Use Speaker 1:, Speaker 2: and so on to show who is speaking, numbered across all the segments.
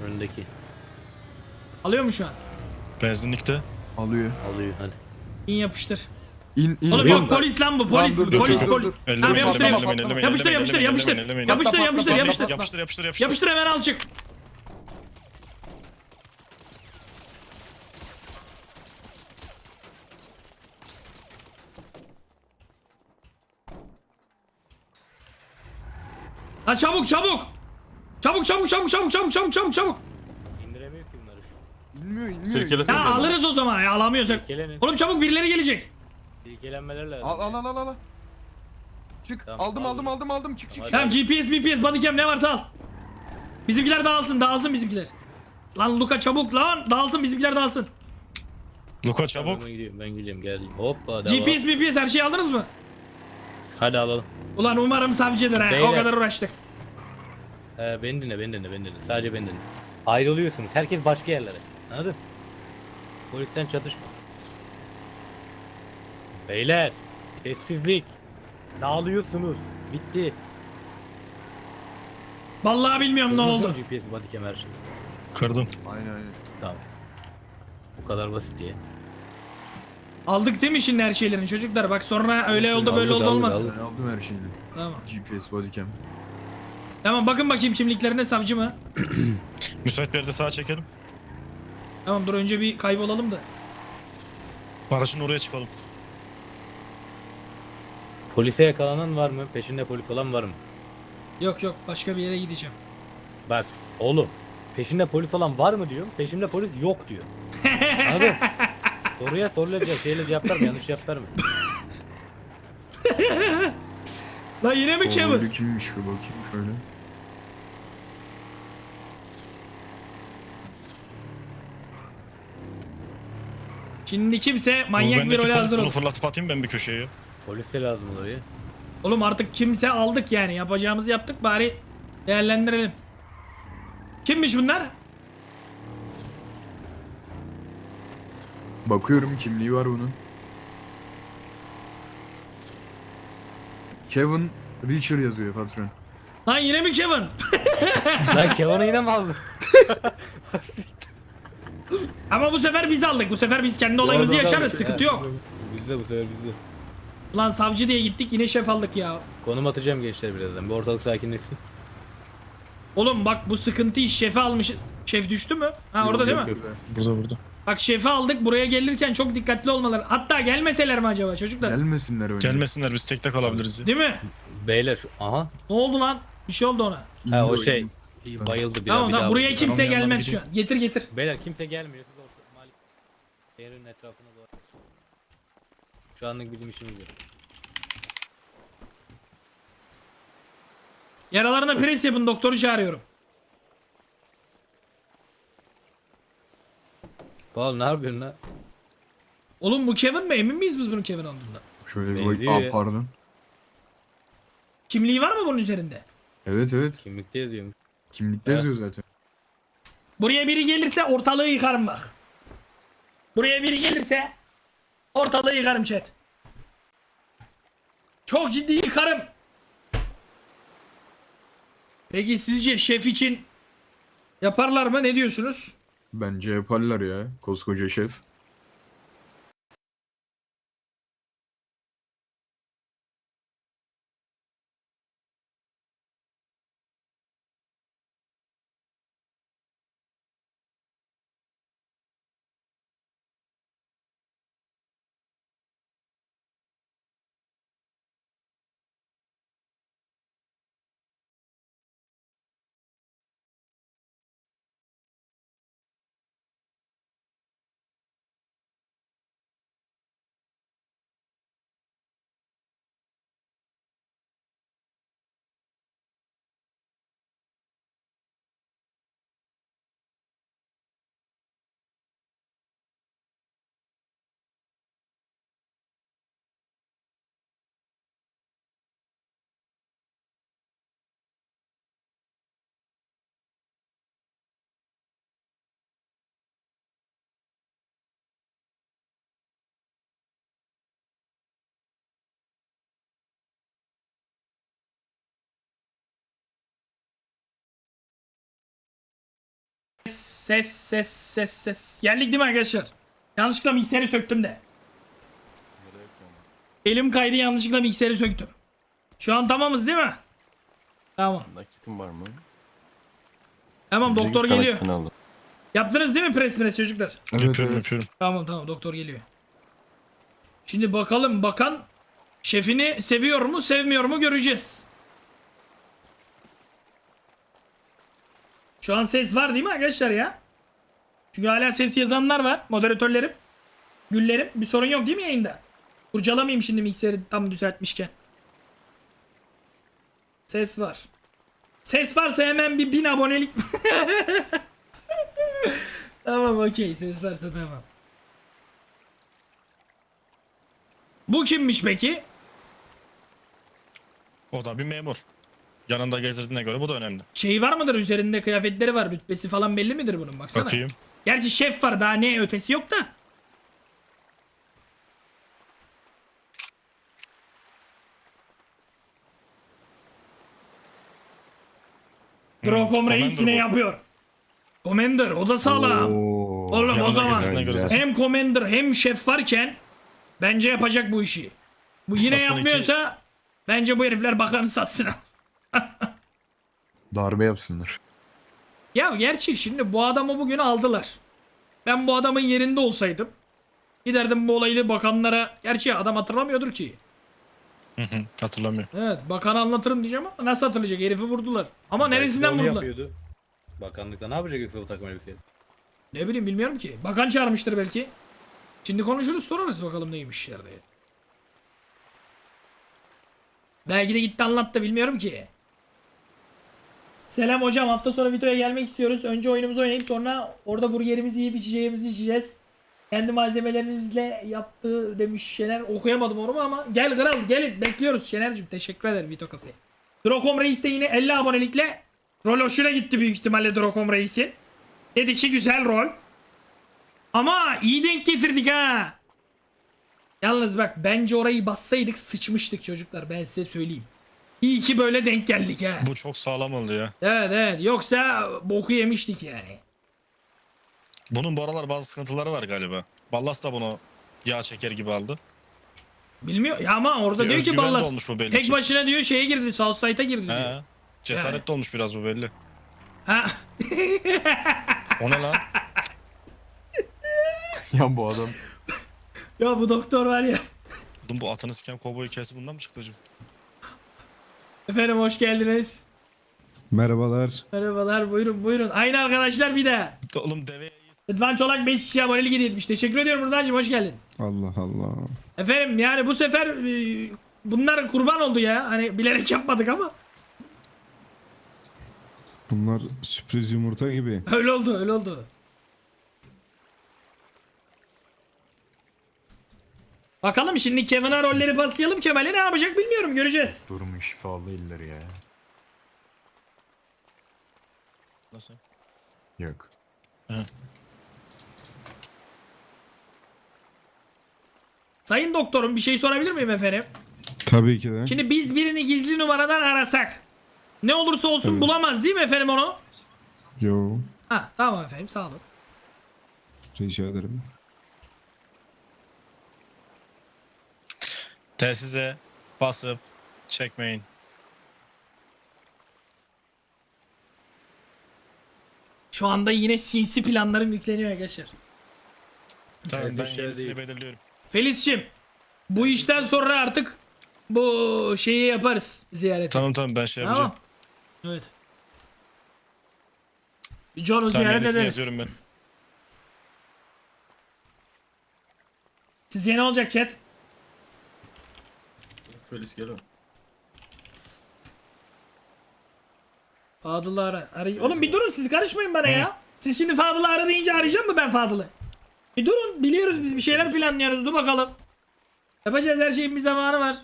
Speaker 1: Önündeki.
Speaker 2: Alıyor mu şu an?
Speaker 3: Benzinlikte.
Speaker 4: Alıyor.
Speaker 1: Alıyor hadi.
Speaker 2: İn yapıştır.
Speaker 4: İn
Speaker 2: Oğlum
Speaker 1: Vuruyor
Speaker 2: yok
Speaker 1: mu?
Speaker 2: polis lan bu polis
Speaker 4: Tamam,
Speaker 2: bu
Speaker 4: dur,
Speaker 2: polis
Speaker 4: dur,
Speaker 2: polis.
Speaker 4: dur.
Speaker 2: Tamam yapıştır yapıştır.
Speaker 3: ellemeyin,
Speaker 2: Yapıştır yapıştır
Speaker 3: ellemeyin,
Speaker 2: yapıştır.
Speaker 3: ellemeyin,
Speaker 2: Yapıştır yapıştır
Speaker 4: Patla,
Speaker 2: yapıştır.
Speaker 4: patla,
Speaker 3: Yapıştır yapıştır.
Speaker 2: Yapıştır hemen al çık. Lan çabuk çabuk. Çabuk çabuk çabuk çabuk çabuk çabuk çabuk çabuk.
Speaker 1: İndiremiyorsun bunları.
Speaker 4: İnmiyor inmiyor.
Speaker 5: Sirkelesene.
Speaker 2: Ya alırız o zaman ya alamıyorsak.
Speaker 1: Silkelenin.
Speaker 2: Oğlum çabuk birileri gelecek.
Speaker 1: Silkelenmeler lazım.
Speaker 4: Al. Çık.
Speaker 1: Tamam,
Speaker 4: Aldım. Çık.
Speaker 1: Hadi.
Speaker 2: Tamam GPS bodycam ne varsa al. Bizimkiler dağılsın bizimkiler. Lan Luka çabuk lan dağılsın bizimkiler dağılsın.
Speaker 3: Luka çabuk.
Speaker 1: Ben gidiyorum geldim. Hoppa devam.
Speaker 2: GPS her şeyi aldınız mı?
Speaker 1: Hadi alalım.
Speaker 2: Ulan umarım savcıdır ha. O
Speaker 1: Beyler.
Speaker 2: kadar uğraştık.
Speaker 1: Beni dinle. Sadece beni dinle. Ayrılıyorsunuz. Herkes başka yerlere. Anladın? Polisten çatışma. Beyler. Sessizlik. Dağılıyorsunuz. Bitti.
Speaker 2: Vallahi bilmiyorum ne oldu.
Speaker 1: GPS bodycam her şey.
Speaker 3: Kırdım.
Speaker 4: Aynen.
Speaker 1: Tamam. Bu kadar basit diye.
Speaker 2: Aldık değil mi şimdi her şeylerini çocuklar? Bak sonra öyle oldu böyle oldu
Speaker 1: Aldık,
Speaker 2: olmaz.
Speaker 1: aldık.
Speaker 4: Ben aldım her şeyini.
Speaker 2: Tamam.
Speaker 4: GPS bodycam.
Speaker 2: Tamam bakın bakayım kimliklerine savcı mı?
Speaker 3: Müsait bir yerde sağa çekelim.
Speaker 2: Tamam dur önce bir kaybolalım da.
Speaker 3: Barajın oraya çıkalım.
Speaker 1: Polise yakalanan var mı? Peşinde polis olan var mı?
Speaker 2: Yok başka bir yere gideceğim.
Speaker 1: Bak oğlum. Peşinde polis olan var mı diyorum. Peşinde polis yok diyor. Anladın? Soruya şeyle cevap verme. Yanlış cevap verme.
Speaker 2: Lan yine mi Kevin?
Speaker 4: Öyle kimmiş bir bakayım şöyle.
Speaker 2: Şimdi kimse manyak bir
Speaker 3: Bendeki
Speaker 2: role
Speaker 3: polis
Speaker 2: hazır
Speaker 3: bunu
Speaker 2: ol.
Speaker 3: fırlatıp atayım ben bir köşeye.
Speaker 1: Polise lazım oraya.
Speaker 2: Oğlum artık kimse aldık yani. Yapacağımızı yaptık bari değerlendirelim. Kimmiş bunlar?
Speaker 4: Bakıyorum kimliği var bunun. Kevin Richard yazıyor patron.
Speaker 2: Lan yine mi Kevin?
Speaker 1: Lan Kevin'i yine mi aldın?
Speaker 2: Ama bu sefer biz aldık. Bu sefer biz kendi olayımızı yaşarız. Sıkıntı yok.
Speaker 1: Bizde bu sefer bizde.
Speaker 2: Ulan savcı diye gittik yine şef aldık ya.
Speaker 1: Konum atacağım gençler birazdan. Bir ortalık sakinleşsin.
Speaker 2: Oğlum bak bu sıkıntı iş şefi almış. Şef düştü mü? Ha orada değil mi?
Speaker 1: yok.
Speaker 3: Burada.
Speaker 2: Bak şefi aldık buraya gelirken çok dikkatli olmaları. Hatta gelmeseler mi acaba çocuklar?
Speaker 4: Gelmesinler önce.
Speaker 3: Gelmesinler biz tekte kalabiliriz ya.
Speaker 2: Değil mi?
Speaker 1: Beyler şu aha.
Speaker 2: Ne oldu lan? Bir şey oldu ona.
Speaker 1: Ha o
Speaker 4: İnmiyor,
Speaker 1: şey
Speaker 4: inmiyor.
Speaker 1: bayıldı bir
Speaker 2: Tamam
Speaker 1: bir
Speaker 2: tamam buraya
Speaker 1: vurdu.
Speaker 2: kimse
Speaker 3: Tamam, yanına
Speaker 2: gelmez
Speaker 3: bir
Speaker 2: şu an. Getir.
Speaker 1: Beyler kimse gelmiyor. Siz orta malik şehrin etrafına doğru. Şu anlık bizim işimiz yok.
Speaker 2: Yaralarına pres yapın doktoru çağırıyorum.
Speaker 1: Paul ne yapıyorsun lan?
Speaker 2: Oğlum bu Kevin mi? Emin miyiz biz bunun Kevin olduğundan?
Speaker 4: Şöyle bir
Speaker 1: Benziyor
Speaker 4: bak.
Speaker 1: ya.
Speaker 4: Pardon.
Speaker 2: Kimliği var mı bunun üzerinde?
Speaker 4: Evet.
Speaker 1: Kimlikte yazıyorum.
Speaker 4: Kimlikte
Speaker 1: Ha.
Speaker 4: yazıyor zaten.
Speaker 2: Buraya biri gelirse ortalığı yıkarım bak. Buraya biri gelirse ortalığı yıkarım chat. Çok ciddi yıkarım. Peki sizce şef için yaparlar mı? Ne diyorsunuz?
Speaker 4: Bence yaparlar ya. Koskoca şef.
Speaker 2: Ses. Geldik değil mi arkadaşlar? Yanlışlıkla mikseri söktüm de. Elim kaydı, yanlışlıkla mikseri söktüm. Şu an tamamız değil mi? Tamam.
Speaker 5: Nakitim var mı?
Speaker 2: Tamam, doktor
Speaker 5: 8
Speaker 2: geliyor.
Speaker 5: kanatını aldım.
Speaker 2: Yaptınız değil mi pres çocuklar?
Speaker 4: Evet,
Speaker 3: Yapıyorum
Speaker 4: evet.
Speaker 3: yapıyorum.
Speaker 2: Tamam doktor geliyor. Şimdi bakalım bakan şefini seviyor mu sevmiyor mu göreceğiz. Şu an ses var değil mi arkadaşlar ya? Çünkü hala ses yazanlar var. Moderatörlerim. Güllerim. Bir sorun yok değil mi yayında? Kurcalamayayım şimdi mikseri tam düzeltmişken. Ses var. Ses varsa hemen bir 1000 abonelik. Tamam okey, ses varsa tamam. Bu kimmiş peki?
Speaker 3: O da bir memur. Yanında gezdirdiğine göre bu da önemli.
Speaker 2: Şey var mıdır, üzerinde kıyafetleri var, rütbesi falan belli midir bunun, baksana.
Speaker 3: Bakayım.
Speaker 2: Gerçi şef var, daha ne ötesi yok da. Drokom Reis
Speaker 3: Commander
Speaker 2: yine
Speaker 3: bu.
Speaker 2: yapıyor. Commander o da sağlam.
Speaker 4: Oo.
Speaker 2: Oğlum o
Speaker 3: Yanında
Speaker 2: zaman
Speaker 3: gezdirdiğine göre.
Speaker 4: Güzel.
Speaker 2: hem Commander hem şef varken bence yapacak bu işi. Bu yine
Speaker 3: Sassuolo
Speaker 2: yapmıyorsa bence bu herifler bakanı satsın.
Speaker 4: Darbe yapsınlar.
Speaker 2: Ya gerçi şimdi bu adamı bugün aldılar. Ben bu adamın yerinde olsaydım giderdim bu olayı bakanlara. Gerçi adam hatırlamıyordur ki.
Speaker 3: Hatırlamıyor.
Speaker 2: Evet, bakana anlatırım diyeceğim ama nasıl hatırlayacak, herifi vurdular. Ama
Speaker 1: Belki de
Speaker 2: neresinden
Speaker 1: onu
Speaker 2: vurdular?
Speaker 1: yapıyordu. Bakanlıkta ne yapacak yoksa bu takım elbiseyle?
Speaker 2: Ne bileyim, bilmiyorum ki. Bakan çağırmıştır belki. Şimdi konuşuruz, sorarız bakalım neymiş yerde. Belki de gitti anlattı, bilmiyorum ki. Selam hocam, hafta sonu videoya gelmek istiyoruz. Önce oyunumuzu oynayıp sonra orada burgerimizi yiyip içeceğimizi içeceğiz. Kendi malzemelerimizle yaptığı demiş Şener. Okuyamadım onu ama gel kral gelin, bekliyoruz Şener'cim. Teşekkür ederim Vito Cafe. Drokom Reis de yine 50 abonelikle rol hoşuna gitti büyük ihtimalle Drokom Reis'in. Dedi ki güzel rol. Ama iyi denk getirdik ha. Yalnız bak, bence orayı bassaydık sıçmıştık çocuklar, ben size söyleyeyim. İyi ki böyle denk geldik ha.
Speaker 3: Bu çok sağlam oldu ya.
Speaker 2: Evet yoksa boku yemiştik yani.
Speaker 3: Bunun bu aralar bazı sıkıntıları var galiba. Ballas da bunu yağ çeker gibi aldı.
Speaker 2: Bilmiyor ya ama orada
Speaker 3: Bir
Speaker 2: diyor ki
Speaker 3: özgüven de
Speaker 2: Ballas
Speaker 3: olmuş bu belli
Speaker 2: tek
Speaker 3: ki.
Speaker 2: başına diyor şeye girdi, Southside'a girdi diyor.
Speaker 3: He. Cesaretli olmuş biraz bu belli.
Speaker 2: Ha.
Speaker 3: O ne lan?
Speaker 4: Ya bu adam.
Speaker 2: Ya bu doktor var ya.
Speaker 3: Oğlum bu atını siken kovboy hikayesi bundan mı çıktı hocam?
Speaker 2: Efendim hoş geldiniz.
Speaker 6: Merhabalar.
Speaker 2: Merhabalar, buyurun. Aynı arkadaşlar bir de.
Speaker 3: Oğlum deveye
Speaker 2: Rıdvan Çolak 5 kişi abonelik hediye etmiş. Teşekkür ediyorum Rıdvan'cığım, hoş geldin.
Speaker 6: Allah Allah.
Speaker 2: Efendim yani bu sefer bunlar kurban oldu ya. Hani bilerek yapmadık ama.
Speaker 6: Bunlar sürpriz yumurta gibi.
Speaker 2: Öyle oldu. Bakalım şimdi Kevin'a rolleri paslayalım. Kemal'e ne yapacak bilmiyorum, göreceğiz.
Speaker 4: Durumu şifalı eller ya.
Speaker 3: Nasıl?
Speaker 4: Yok.
Speaker 2: Sayın doktorum, bir şey sorabilir miyim efendim?
Speaker 6: Tabii ki de.
Speaker 2: Şimdi biz birini gizli numaradan arasak ne olursa olsun
Speaker 6: Evet.
Speaker 2: bulamaz değil mi efendim onu?
Speaker 6: Yo.
Speaker 2: Ha tamam efendim, sağ olun.
Speaker 6: Rica ederim.
Speaker 3: Telsize basıp çekmeyin.
Speaker 2: Şu anda yine sinsi planlarım yükleniyor arkadaşlar.
Speaker 3: Tamam ben
Speaker 1: Telsiz şey
Speaker 3: yenisini
Speaker 1: değil.
Speaker 3: belirliyorum.
Speaker 2: Felis'cim, bu işten sonra artık bu şeyi yaparız, ziyareti.
Speaker 3: Tamam ben şey yapacağım.
Speaker 2: Tamam. Evet. John'u
Speaker 3: Tamam
Speaker 2: ziyaret
Speaker 3: yenisini
Speaker 2: ederiz.
Speaker 3: yazıyorum ben.
Speaker 2: Sizce ne olacak chat?
Speaker 5: Felis gel.
Speaker 2: Fadıl'ı ara. Oğlum bir durun, siz karışmayın bana ya. Siz şimdi Fadıl'ı ara deyince arayacağım mı ben Fadıl'ı? Bir durun, biliyoruz biz bir şeyler planlıyoruz, dur bakalım. Yapacağız, her şeyin bir zamanı var.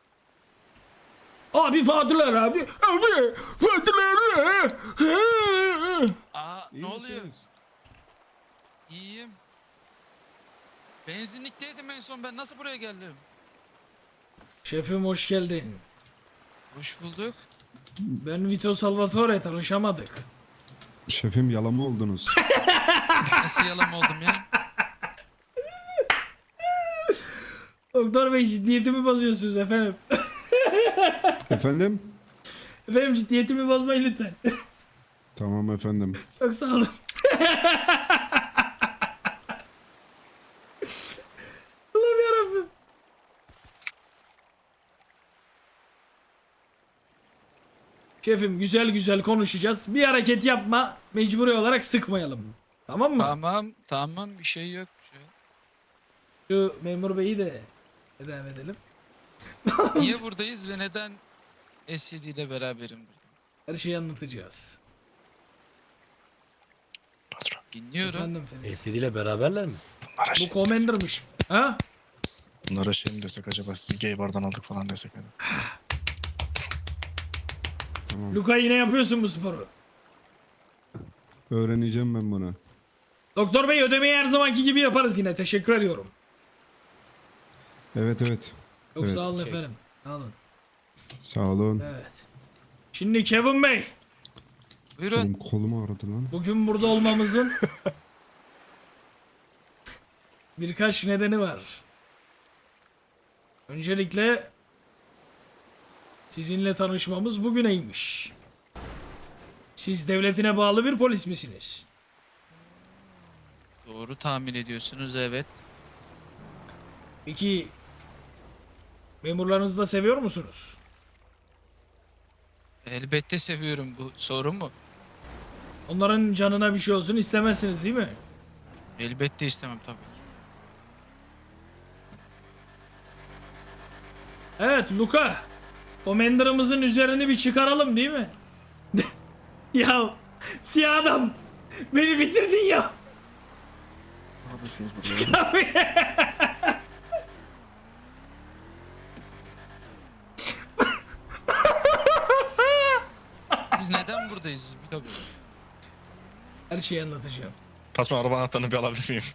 Speaker 2: Abi Fadıl ara abi. Abi Fadıl ara.
Speaker 7: Aa
Speaker 6: İyi
Speaker 7: ne oluyor?
Speaker 6: misiniz?
Speaker 7: İyiyim. Benzinlikteydim en son, ben nasıl buraya geldim?
Speaker 2: Şefim hoş geldin.
Speaker 7: Hoş bulduk.
Speaker 2: Ben Vito Salvatore, tanışamadık.
Speaker 6: Şefim yalama oldunuz.
Speaker 7: Nasıl yalan oldum ya?
Speaker 2: Doktor bey ciddiyetimi bozuyorsunuz efendim.
Speaker 6: Efendim?
Speaker 2: Efendim ciddiyetimi bozmayın lütfen.
Speaker 6: Tamam efendim.
Speaker 2: Çok sağ olun. Allah'ım yarabbim. Şefim güzel güzel konuşacağız. Bir hareket yapma. Mecburi olarak sıkmayalım. Tamam mı?
Speaker 7: Tamam bir şey yok.
Speaker 2: Şu memur beyi de tedavi edelim.
Speaker 7: Niye buradayız ve neden SCD ile beraberim?
Speaker 2: Her şeyi anlatacağız.
Speaker 3: Patron.
Speaker 7: Dinliyorum.
Speaker 2: Efendim Feriz.
Speaker 1: ACD ile beraberler mi?
Speaker 3: Bunlara
Speaker 2: Bu
Speaker 3: şey,
Speaker 2: Commander'mış. Ha?
Speaker 3: bunlara şey mi desek acaba, sizi gay bardan aldık falan desek. Hani.
Speaker 6: Tamam.
Speaker 2: Luka yine yapıyorsun bu sporu.
Speaker 6: Öğreneceğim ben bunu.
Speaker 2: Doktor bey ödemeyi her zamanki gibi yaparız yine. Teşekkür ediyorum.
Speaker 6: Evet evet.
Speaker 2: Çok
Speaker 6: Evet.
Speaker 2: sağ olun efendim. Sağ olun.
Speaker 6: Sağ olun.
Speaker 2: Evet. Şimdi Kevin Bey.
Speaker 7: Buyurun.
Speaker 6: Benim kolumu ağrıdı lan.
Speaker 2: Bugün burada olmamızın birkaç nedeni var. Öncelikle sizinle tanışmamız bugüneymiş. Siz devletine bağlı bir polis misiniz?
Speaker 7: Doğru tahmin ediyorsunuz, evet.
Speaker 2: Peki memurlarınızı da seviyor musunuz?
Speaker 7: Elbette seviyorum, bu sorun mu?
Speaker 2: Onların canına bir şey olsun istemezsiniz değil mi?
Speaker 7: Elbette istemem tabii ki.
Speaker 2: Evet Luka. Commander'ımızın üzerini bir çıkaralım değil mi? Ya siyah adam. Beni bitirdin ya.
Speaker 4: Ne yapıyorsunuz burada?
Speaker 7: Biz neden buradayız? Bir tabii.
Speaker 2: Her şeyi anlatacağım.
Speaker 3: Patron, araba anahtarını bir alabilir miyim?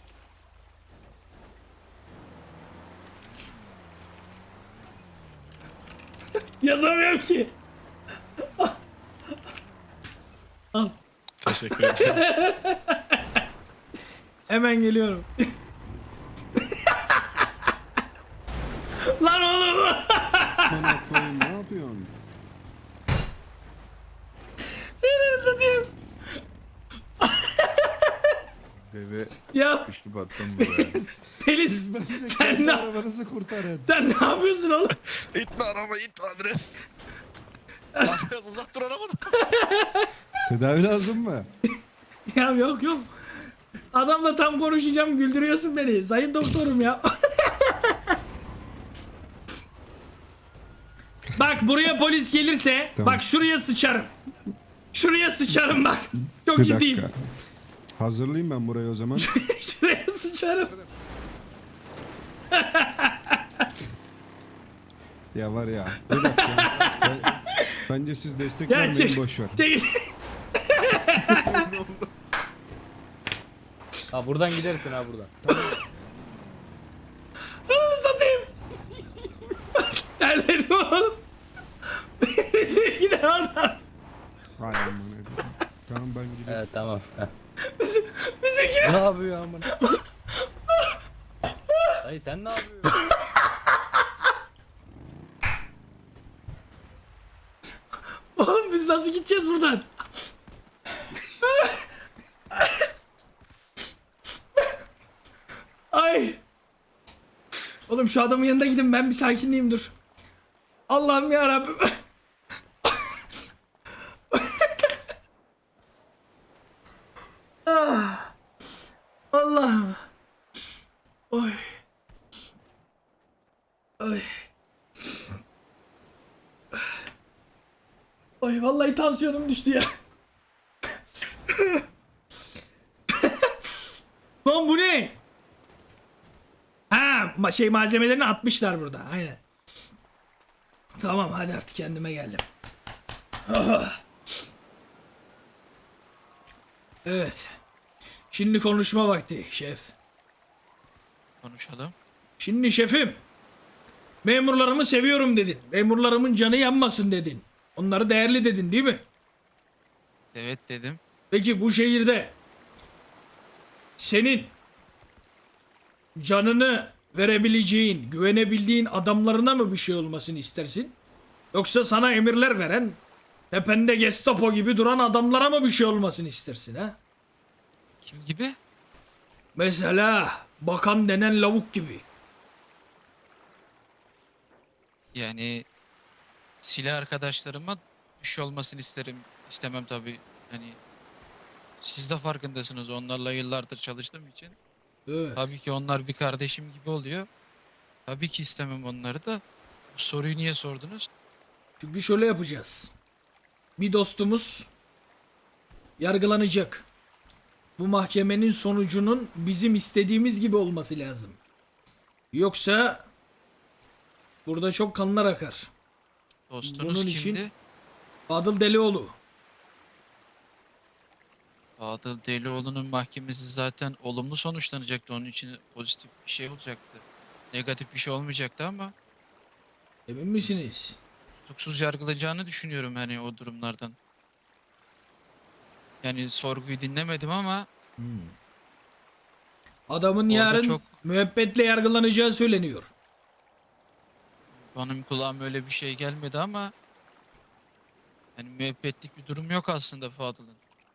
Speaker 2: Yazamıyorum ki. Al.
Speaker 3: Teşekkür ederim.
Speaker 2: Hemen geliyorum. Lan oğlum.
Speaker 6: Bana koyun, ne yapıyorsun?
Speaker 2: Nereye satayım?
Speaker 4: Deve
Speaker 2: Ya
Speaker 4: sıkıştı battım buraya.
Speaker 2: Pelis
Speaker 6: Siz bence
Speaker 2: Sen
Speaker 6: kendi
Speaker 2: ne-
Speaker 6: arabanızı kurtarın.
Speaker 2: sen ne yapıyorsun oğlum?
Speaker 3: İtme araba, itme adres. Biraz uzak dur arabadan.
Speaker 6: Tedavi lazım mı?
Speaker 2: Ya yok yok. Adamla tam konuşacağım güldürüyorsun beni. Sayın doktorum ya. Bak buraya polis gelirse
Speaker 6: Tamam.
Speaker 2: bak şuraya sıçarım. Şuraya sıçarım bak. Çok
Speaker 6: Bir
Speaker 2: ciddiyim.
Speaker 6: dakika. Hazırlayayım ben burayı o zaman.
Speaker 2: Şuraya sıçarım.
Speaker 6: Ya var ya. Bir dakika. Bence siz destek
Speaker 2: Ya
Speaker 6: vermeyin,
Speaker 2: çek.
Speaker 6: boş ver.
Speaker 2: Çekil.
Speaker 1: Ha buradan gidersin ha buradan.
Speaker 2: Ananı satayım. Terledim oğlum. Bizim gider oradan.
Speaker 6: Hay aman efendim. Tamam ben gidiyorum.
Speaker 1: Evet tamam.
Speaker 2: Bizimkiler.
Speaker 1: Ne yapıyor amına? Dayı sen ne yapıyorsun?
Speaker 2: Oğlum biz nasıl gideceğiz buradan? Ay. Oğlum şu adamın yanında gidin, ben bir sakinleyeyim dur. Allah'ım ya Rabbim. Ah. Allah'ım. Oy. Ay. Ay vallahi tansiyonum düştü ya. Lan bu ne? Ha malzemelerini atmışlar burada. Aynen. Tamam hadi artık kendime geldim. Ah. Evet. Şimdi konuşma vakti şef.
Speaker 7: Konuşalım.
Speaker 2: Şimdi şefim. Memurlarımı seviyorum dedin. Memurlarımın canı yanmasın dedin. Onları değerli dedin değil mi?
Speaker 7: Evet dedim.
Speaker 2: Peki bu şehirde senin canını verebileceğin, güvenebildiğin adamlarına mı bir şey olmasını istersin? Yoksa sana emirler veren, tepende Gestapo gibi duran adamlara mı bir şey olmasını istersin ha?
Speaker 7: Kim gibi?
Speaker 2: Mesela bakan denen lavuk gibi.
Speaker 7: Yani silah arkadaşlarıma bir şey olmasını isterim. İstemem tabii. Hani siz de farkındasınız. Onlarla yıllardır çalıştığım için.
Speaker 2: Evet.
Speaker 7: Tabii ki onlar bir kardeşim gibi oluyor. Tabii ki istemem onları da. Bu soruyu niye sordunuz?
Speaker 2: Çünkü şöyle yapacağız. Bir dostumuz yargılanacak. Bu mahkemenin sonucunun bizim istediğimiz gibi olması lazım. Yoksa burada çok kanlar akar.
Speaker 7: Dostunuz
Speaker 2: Bunun
Speaker 7: kimdi?
Speaker 2: için- Fadıl Delioğlu.
Speaker 7: Fadıl Delioğlu'nun mahkemesi zaten olumlu sonuçlanacaktı. Onun için pozitif bir şey olacaktı. Negatif bir şey olmayacaktı ama
Speaker 2: Emin misiniz?
Speaker 7: tutuksuz yargılayacağını düşünüyorum hani o durumlardan. Yani sorguyu dinlemedim ama
Speaker 2: Adamın
Speaker 7: Orada
Speaker 2: yarın
Speaker 7: çok-
Speaker 2: müebbetle yargılanacağı söyleniyor.
Speaker 7: benim kulağıma öyle bir şey gelmedi ama hani müebbetlik bir durum yok aslında Fadıl'ın.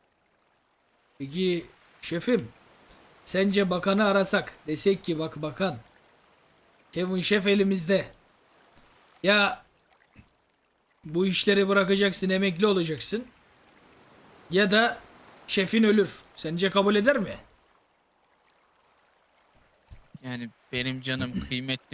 Speaker 2: Peki şefim, sence bakanı arasak, desek ki bak bakan, Kevin Şef elimizde. Ya bu işleri bırakacaksın, emekli olacaksın. Ya da şefin ölür. Sence kabul eder mi?
Speaker 7: Yani benim canım kıymetli